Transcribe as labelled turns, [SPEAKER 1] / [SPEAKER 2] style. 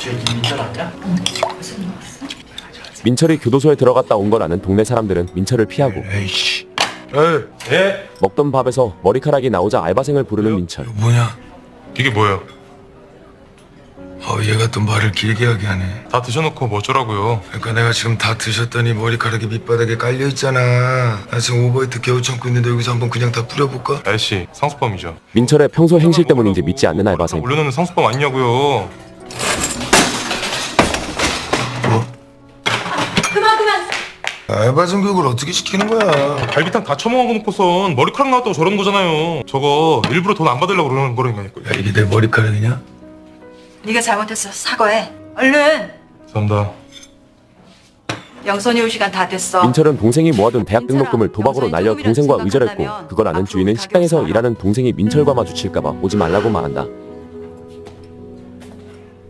[SPEAKER 1] 쟤 민철 아니야?
[SPEAKER 2] 민철이 교도소에 들어갔다 온 걸 아는 동네 사람들은 민철을 피하고
[SPEAKER 3] 에이씨. 에이.
[SPEAKER 4] 예?
[SPEAKER 2] 먹던 밥에서 머리카락이 나오자 알바생을 부르는 민철.
[SPEAKER 3] 이거 뭐냐?
[SPEAKER 4] 이게 뭐예요?
[SPEAKER 3] 얘가 또 말을 길게 하게 하네.
[SPEAKER 4] 다 드셔놓고 뭐 어쩌라고요?
[SPEAKER 3] 그러니까 내가 지금 다 드셨더니 머리카락이 밑바닥에 깔려있잖아. 나 지금 오버히트 겨우 참고 있는데 여기서 한번 그냥 다 뿌려볼까?
[SPEAKER 4] 아저씨 상습범이죠.
[SPEAKER 2] 민철의 평소 행실 때문인지 믿지 않는 알바생.
[SPEAKER 4] 올려놓는 상습범 아니냐고요.
[SPEAKER 3] 뭐?
[SPEAKER 5] 그만.
[SPEAKER 3] 알바생 교육을 어떻게 시키는 거야?
[SPEAKER 4] 갈비탕 다 처먹어놓고선 머리카락 나왔다고 저러는 거잖아요. 저거 일부러 돈 안 받으려고 그러는 거라니까요.
[SPEAKER 3] 야, 이게 내 머리카락이냐?
[SPEAKER 5] 네가 잘못했어. 사과해. 얼른.
[SPEAKER 4] 감사합니다.
[SPEAKER 5] 영선이 올 시간 다 됐어.
[SPEAKER 2] 민철은 동생이 모아둔 대학
[SPEAKER 5] 민철아,
[SPEAKER 2] 등록금을 도박으로
[SPEAKER 5] 영선이
[SPEAKER 2] 날려
[SPEAKER 5] 조금이라도
[SPEAKER 2] 동생과 의절했고
[SPEAKER 5] 생각한다면
[SPEAKER 2] 그걸 아는
[SPEAKER 5] 앞으로
[SPEAKER 2] 주인은
[SPEAKER 5] 가격
[SPEAKER 2] 식당에서
[SPEAKER 5] 사라.
[SPEAKER 2] 일하는 동생이 민철과 마주칠까봐 오지 말라고 말한다.